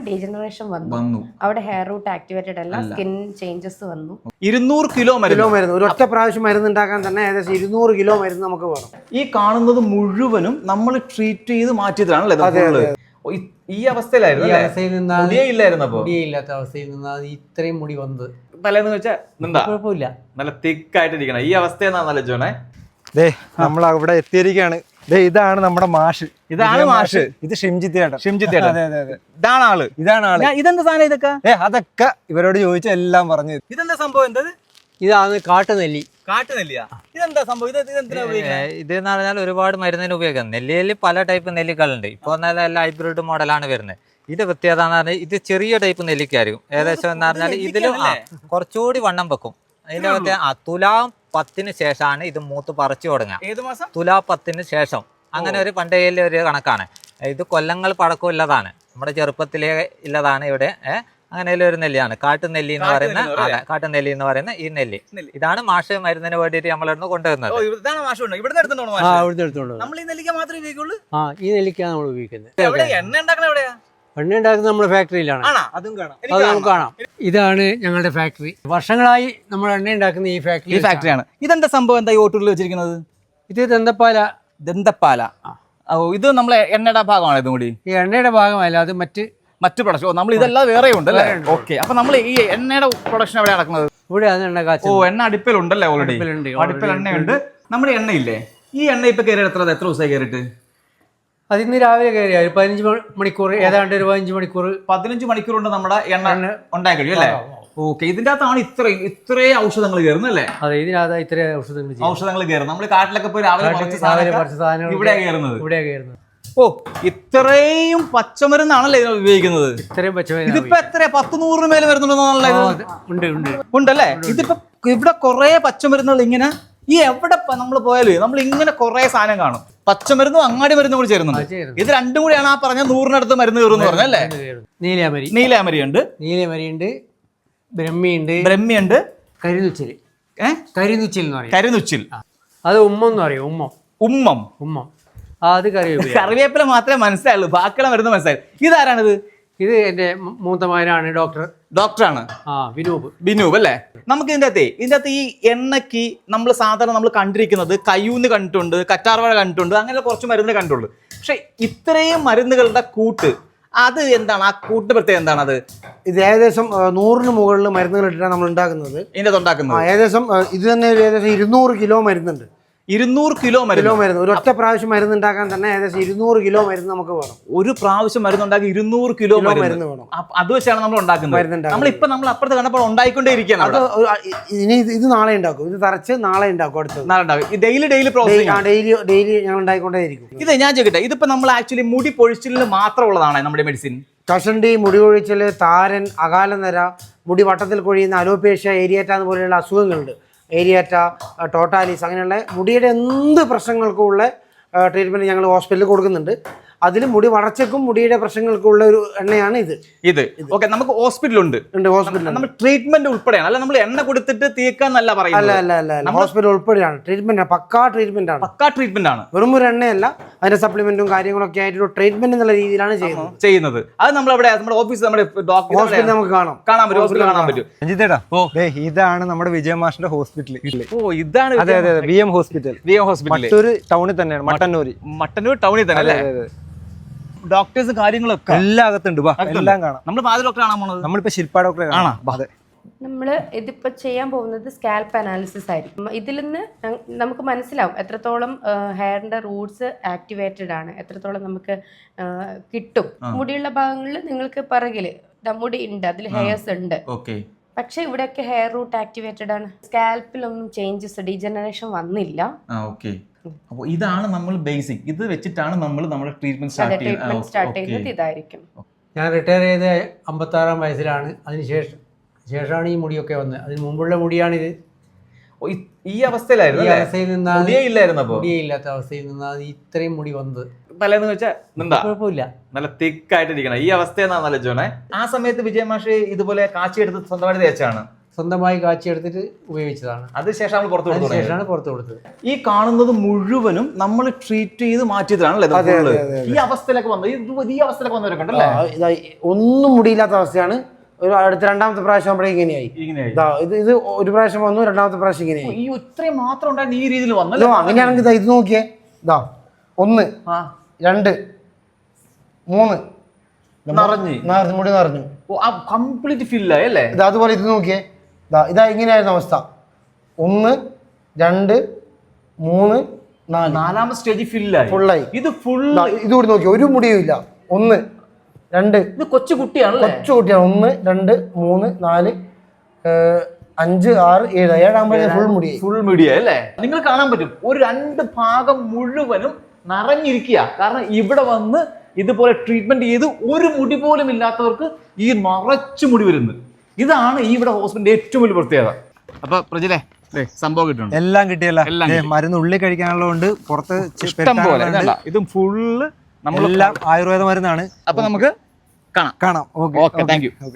Degeneration വന്നു അവിടെ hair root activated അല്ല, സ്കിൻ ചേഞ്ചസ് വന്നു. 200 കിലോ മരുന്ന് ഒരു ഒറ്റ പ്രാവശ്യം മരുന്ന് ഉണ്ടാക്കാൻ തന്നെ ഏകദേശം 200 കിലോ മരുന്ന് നമുക്ക് വേണം. ഈ കാണുന്നത് മുഴുവനും നമ്മൾ ട്രീറ്റ് ചെയ്ത് മാറ്റിയതാണല്ലേ? ഈ അവസ്ഥയിലായിരുന്നു ഇല്ലാത്ത അവസ്ഥയിൽ നിന്നാണ് ഇത്രയും മുടി വന്നത്. തലേന്ന് വെച്ചാൽ കുഴപ്പമില്ല, നല്ല തിക്കായിട്ടിരിക്കണം. ഈ അവസ്ഥയെന്നാണല്ലോ ജോണേ. നമ്മൾ അവിടെ എത്തിയിരിക്കുകയാണ്. ഇതാണ് നമ്മുടെ മാഷ്. ഇതാണ് മാഷ്. ഇത് ഷിംജിത്ത്. ഇതാണ് ആള്. ഇതെന്താ സാധനം? ഇതൊക്കെ അതൊക്കെ ഇവരോട് ചോദിച്ച എല്ലാം പറഞ്ഞു. ഇതെന്താ സംഭവം? എന്തത്? ഇതാണ് കാട്ടുനെല്ലി. കാട്ടുനെല്ലിയാ? ഇതെന്താ സംഭവം? ഇതെന്ന് പറഞ്ഞാൽ ഒരുപാട് മരുന്നിന് ഉപയോഗിക്കാം. നെല്ലിയിൽ പല ടൈപ്പ് നെല്ലിക്കളുണ്ട്. ഇപ്പോൾ നല്ല ഹൈബ്രിഡ് മോഡലാണ് വരുന്നത്. ഇത് പ്രത്യേകത എന്ന് പറഞ്ഞാൽ ഇത് ചെറിയ ടൈപ്പ് നെല്ലിക്കായിരിക്കും. ഏകദേശം എന്ന് പറഞ്ഞാൽ ഇതിലും കുറച്ചുകൂടി വണ്ണം വെക്കും. അതിന്റെ തുലാം 10 ശേഷമാണ് ഇത് മൂത്ത് പറിച്ചു തുടങ്ങുക. തുലാ 10 ശേഷം അങ്ങനെ ഒരു പണ്ടേലെ ഒരു കണക്കാണ്. ഇത് കൊല്ലങ്ങൾ പഴക്കമുള്ളതാണ്. നമ്മുടെ ചെറുപ്പത്തിലേ ഉള്ളതാണ് ഇവിടെ. അങ്ങനെ ഒരു നെല്ലിയാണ് കാട്ടുനെല്ലി എന്ന് പറയുന്ന. കാട്ടുനെല്ലി എന്ന് പറയുന്ന ഈ നെല്ലി. ഇതാണ് മാഷ് മരുന്നിന് വേണ്ടിയിട്ട് നമ്മളിന്ന് കൊണ്ടുവരുന്നത്. ഈ നെല്ലിക്കാണ് നമ്മൾ ഉപയോഗിക്കുന്നത്. എണ്ണ ഉണ്ടാക്കുന്നത് നമ്മുടെ ഫാക്ടറിയിലാണ്. അത് നമുക്ക് കാണാം. ഇതാണ് ഞങ്ങളുടെ ഫാക്ടറി. വർഷങ്ങളായി നമ്മൾ എണ്ണ ഉണ്ടാക്കുന്ന ഈ ഫാക്ടറിയാണ്. ഇതെന്താ സംഭവം? എന്താ ഈ ഓട്ടൂരിൽ വെച്ചിരിക്കുന്നത്? ഇത് ദന്തപ്പാല. ഇത് നമ്മളെ എണ്ണയുടെ ഭാഗമാണ്. ഇതും കൂടി ഈ എണ്ണയുടെ ഭാഗമല്ല, അത് മറ്റു പ്രൊഡക്ഷൻ. നമ്മൾ ഇതെല്ലാം വേറെ ഉണ്ടല്ലേ? ഓക്കെ. അപ്പൊ നമ്മൾ ഈ എണ്ണയുടെ പ്രൊഡക്ഷൻ എവിടെ നടക്കുന്നത്? ഇവിടെയാണ് എണ്ണ കാച്ചുന്നത്. എണ്ണ അടുപ്പിലുണ്ടല്ലേ? ഓൾറെഡി അടുപ്പിൽ എണ്ണയുണ്ട്. നമ്മുടെ എണ്ണയില്ലേ? ഈ എണ്ണ ഇപ്പൊ കയറിയത് എത്ര ദിവസമായി കയറിയിട്ട്? അതിന്ന് രാവിലെ കയറിയ 15 മണിക്കൂർ, ഏതാണ്ട് ഒരു 15 മണിക്കൂർ. 15 മണിക്കൂർ കൊണ്ട് നമ്മുടെ എണ്ണ ഉണ്ടായി കഴിയും അല്ലേ? ഓക്കെ. ഇതിന്റെ അകത്താണ് ഇത്രയും ഔഷധങ്ങൾ കയറുന്നത് അല്ലേ? അതെ, ഇതിനകത്ത് ഇത്രയും ഔഷധങ്ങൾ കയറും. നമ്മൾ കാട്ടിലൊക്കെ പോയി രാവിലെ ഇവിടെ കയറുന്നത്. ഇത്രയും പച്ചമരുന്നാണല്ലേ ഇതിന് ഉപയോഗിക്കുന്നത്? ഇത്രയും പച്ചമരുന്ന്. ഇതിപ്പോ എത്ര 10-100 മേലെ വരുന്നുണ്ടോ? ഉണ്ടല്ലേ? ഇതിപ്പോ ഇവിടെ കുറെ പച്ചമരുന്നുകൾ ഇങ്ങനെ ഈ എവിടെ നമ്മൾ പോയാലും നമ്മൾ ഇങ്ങനെ കുറെ സാധനം കാണും. പച്ചമരുന്നും അങ്ങാടി മരുന്നും കൂടി ചേരുന്നുണ്ട്. ഇത് രണ്ടും കൂടിയാണ് ആ പറഞ്ഞ 100-നടുത്ത് മരുന്ന് കയറും പറഞ്ഞല്ലേ? നീലാമരി ഉണ്ട്, ബ്രഹ്മിയുണ്ട്, കരിനുച്ചിൽ എന്ന് പറയും. കരിനുച്ചിൽ. അത് ഉമ്മെന്ന് പറയും. ഉമ്മം. അത് കറിവേപ്പില മാത്രമേ മനസ്സിലായുള്ളൂ, ബാക്കിയുള്ള മരുന്ന് മനസ്സിലായി. ഇതാരാണിത്? ഇത് എന്റെ മൂത്ത മകനാണ്, ഡോക്ടറാണ്. ബിനൂബ് അല്ലേ? നമുക്ക് ഇതിന്റെ അകത്ത് ഈ എണ്ണയ്ക്ക് നമ്മൾ സാധാരണ നമ്മൾ കണ്ടിരിക്കുന്നത് കയ്യൂന്ന് കണ്ടിട്ടുണ്ട്, കറ്റാർവാഴ കണ്ടിട്ടുണ്ട്, അങ്ങനെ കുറച്ച് മരുന്ന് കണ്ടുള്ളൂ. പക്ഷെ ഇത്രയും മരുന്നുകളുടെ കൂട്ട്, അത് എന്താണ്? ആ കൂട്ട് പ്രത്യേകം എന്താണ്? അത് ഇത് ഏകദേശം 100-ന് മുകളിൽ മരുന്നുകൾ ഇട്ടിട്ടാണ് നമ്മൾ ഉണ്ടാക്കുന്നത്. ഇതിന്റെ ഉണ്ടാക്കുന്നത് ഏകദേശം ഇത് തന്നെ ഏകദേശം 200 കിലോ മരുന്നുണ്ട്. 200 കിലോ മരുന്ന്. ഒരു ഒറ്റ പ്രാവശ്യം മരുന്ന് ഉണ്ടാക്കാൻ തന്നെ ഏകദേശം 200 കിലോ മരുന്ന് നമുക്ക് വേണം. ഒരു പ്രാവശ്യം മരുന്ന് ഉണ്ടാക്കി 200 കിലോ മരുന്ന് വേണം. അത് വെച്ചാണ് നമ്മൾ ഉണ്ടാക്കുന്നത്. നമ്മൾ അപ്പുറത്ത് കണ്ടപ്പോൾ ഉണ്ടായിക്കൊണ്ടേ ഇരിക്കുകയാണ്. ഇനി ഇത് നാളെ ഉണ്ടാക്കും. ഇത് തറച്ച് നാളെ ഉണ്ടാക്കും. അടുത്തത് നാളെ ഉണ്ടാക്കും. Daily process. ഡെയിലി ഞങ്ങൾ ഉണ്ടായിക്കൊണ്ടേ ഇരിക്കും. ഇത് ഞാൻ ചോദിക്കട്ടെ, ഇതിപ്പോ നമ്മൾ ആക്ച്വലി മുടി പൊഴിച്ചിലിന് മാത്രമുള്ളതാണ് നമ്മുടെ മെഡിസിൻ? കഷണ്ടി, മുടി കൊഴിച്ചിൽ, താരൻ, അകാലനര, മുടി വട്ടത്തിൽ കൊഴിയുന്ന അലോപേഷ്യ, ഏരിയാറ്റ പോലെയുള്ള അസുഖങ്ങളുണ്ട്. ഏരിയാറ്റ, ടോട്ടാലിസ്, അങ്ങനെയുള്ള മുടിയുടെ എന്ത് പ്രശ്നങ്ങൾക്കും ഉള്ള ട്രീറ്റ്മെൻറ്റ് ഞങ്ങൾ ഹോസ്പിറ്റലിൽ കൊടുക്കുന്നുണ്ട്. അതിൽ മുടി വളർച്ചയ്ക്കും മുടിയുടെ പ്രശ്നങ്ങൾക്കുള്ള ഒരു എണ്ണയാണ് ഇത്. ഓക്കെ. നമുക്ക് ഹോസ്പിറ്റലുണ്ട്. നമ്മൾ ട്രീറ്റ്മെന്റ് ഉൾപ്പെടെയാണ്, അല്ല നമ്മൾ എണ്ണ കൊടുത്തിട്ട് തീക്കാന്നല്ല പറയുന്നത്. അല്ല, ഹോസ്പിറ്റൽ ഉൾപ്പെടെയാണ് ട്രീറ്റ്മെന്റ്. പക്കാ ട്രീറ്റ്മെന്റ് ആണ്. വെറും ഒരു എണ്ണയല്ല, അതിന്റെ സപ്ലിമെന്റും കാര്യങ്ങളൊക്കെ ആയിട്ട് ട്രീറ്റ്മെന്റ് എന്നുള്ള രീതിയിലാണ് ചെയ്യുന്നത്. അത് നമ്മൾ അവിടെ നമ്മുടെ ഓഫീസ്, നമ്മുടെ ഹോസ്പിറ്റലിൽ നമുക്ക് കാണാൻ പറ്റും. ഇതാണ് നമ്മുടെ വിജയമാഷിന്റെ ഹോസ്പിറ്റൽ. ഇതാണ് VM ഹോസ്പിറ്റൽ. മട്ടൂര് ടൗണിൽ തന്നെയാണ്. മട്ടന്നൂർ ടൗണിൽ തന്നെ അല്ലേ? ഡോക്ടേഴ്സ് കാര്യങ്ങളൊക്കെ എല്ലാം അകത്തുണ്ട്. എല്ലാം കാണാം. നമ്മൾ ആദ്യ ഡോക്ടർ കാണാൻ പോകുന്നത് നമ്മളിപ്പോ ശില്പ ഡോക്ടറെ കാണാം. നമ്മൾ ഇതിപ്പോ ചെയ്യാൻ പോകുന്നത് സ്കാൽപ്പ് അനാലിസിസ് ആയിരിക്കും. ഇതിൽ നിന്ന് നമുക്ക് മനസ്സിലാവും എത്രത്തോളം ഹെയറിന്റെ റൂട്ട്സ് ആക്ടിവേറ്റഡ് ആണ്, എത്രത്തോളം നമുക്ക് കിട്ടും. മുടിയുള്ള ഭാഗങ്ങളിൽ നിങ്ങൾക്ക് പിറകില് മുടി ഉണ്ട്, അതിൽ ഹെയർസ് ഉണ്ട്. പക്ഷെ ഇവിടെയൊക്കെ ഹെയർ റൂട്ട് ആക്ടിവേറ്റഡ് ആണ്. സ്കാൽപ്പിലൊന്നും ചേഞ്ചസ്, ഡീജനറേഷൻ വന്നില്ല. അപ്പോൾ ഇതാണ് നമ്മൾ ബേസിക്. ഇത് വെച്ചിട്ടാണ് നമ്മൾ നമ്മുടെ ട്രീറ്റ്മെന്റ് സ്റ്റാർട്ട് ചെയ്യുന്നത്. ഇതായിരിക്കും. ഞാൻ റിട്ടയർ ചെയ്ത് 56-ാം വയസ്സിലാണ്. ശേഷമാണ് ഈ മുടിയൊക്കെ വന്നത്. അതിന് മുമ്പുള്ള മുടിയാണിത്. ഈ അവസ്ഥയിലായിരുന്നു. മുടിയില്ലാത്ത അവസ്ഥയിൽ നിന്നാണ് ഇത്രയും മുടി വന്നത്. തലേന്ന് വെച്ചാൽ കുഴപ്പമില്ല, നല്ല തിക്കായിട്ടിരിക്കണം. ഈ അവസ്ഥയെന്നാണല്ലോ ജോണേ. ആ സമയത്ത് വിജയമാഷ് ഇതുപോലെ കാച്ചിയെടുത്ത് സ്വന്തമായിട്ട് തേച്ചാണ്. സ്വന്തമായി കാച്ചിയെടുത്തിട്ട് ഉപയോഗിച്ചതാണ്. അതിനുശേഷം നമ്മൾ പുറത്തു കൊടുത്തു അതിനുശേഷമാണ് പുറത്ത് കൊടുത്തത്. ഈ കാണുന്നത് മുഴുവനും നമ്മൾ ട്രീറ്റ് ചെയ്ത് മാറ്റിയതാണല്ലേ ഈ അവസ്ഥയിലൊക്കെ വന്നത്. ഈ അവസ്ഥയിലൊക്കെ വന്നവരൊക്കെ ഉണ്ടല്ലേ? ഒന്നും മുടിയില്ലാത്ത അവസ്ഥയാണ്. ഒരു അടുത്ത രണ്ടാമത്തെ പ്രാവശ്യം ആകുമ്പോഴേ ഇങ്ങനെയായി. ഇത് ഒരു പ്രാവശ്യം വന്നു, രണ്ടാമത്തെ പ്രാവശ്യം ഇങ്ങനെയായി. ഈ ഇത്രയും മാത്രം ഉണ്ടായിരുന്നു ഈ രീതിയിൽ വന്നല്ലോ. അങ്ങനെയാണെങ്കിൽ ഇത് നോക്കിയേ, 1 2 3 നിറഞ്ഞു, മുടി നിറഞ്ഞു, കംപ്ലീറ്റ് ഫില്ലായി അല്ലേ? അതുപോലെ ഇത് നോക്കിയേ, ഇതാ ഇങ്ങനെയായിരുന്നു അവസ്ഥ. 1 2 3 4 നാലാമത്തെ സ്റ്റേജ് ഫില്ലായി, ഫുള്ളായി. ഇത് ഫുൾ. ഇതുകൂടി നോക്കിയേ, ഒരു മുടിയും ഇല്ല. 1 2 ഇത് കൊച്ചു കുട്ടിയാണല്ലേ? കൊച്ചു കുട്ടിയാണ്. 1 2 3 4 5 6 7 7 ഫുൾ മുടി, ഫുൾ മുടിയ അല്ലേ? നിങ്ങൾ കാണാൻ പറ്റും ഒരു 2 ഭാഗം മുഴുവനും നിറഞ്ഞിരിക്കുക. കാരണം ഇവിടെ വന്ന് ഇതുപോലെ ട്രീറ്റ്മെന്റ് ചെയ്ത് ഒരു മുടി പോലും ഇല്ലാത്തവർക്ക് ഈ നിറച്ചു മുടി വരുന്നത്. ഇതാണ് ഈ ഇവിടെ ഹോസ്പിറ്റലിന്റെ ഏറ്റവും വലിയ പ്രത്യേകത. അപ്പൊ പ്രജിലെ സംഭവം കിട്ടുന്നുണ്ട്, എല്ലാം കിട്ടിയല്ലോ. മരുന്ന് ഉള്ളിൽ കഴിക്കാനുള്ളതുകൊണ്ട് പുറത്ത് ഇഷ്ടം പോലെ. ഇതും ഫുള്ള് നമ്മളെല്ലാം ആയുർവേദ മരുന്നാണ്. അപ്പൊ നമുക്ക് കാണാം. Okay, thank U.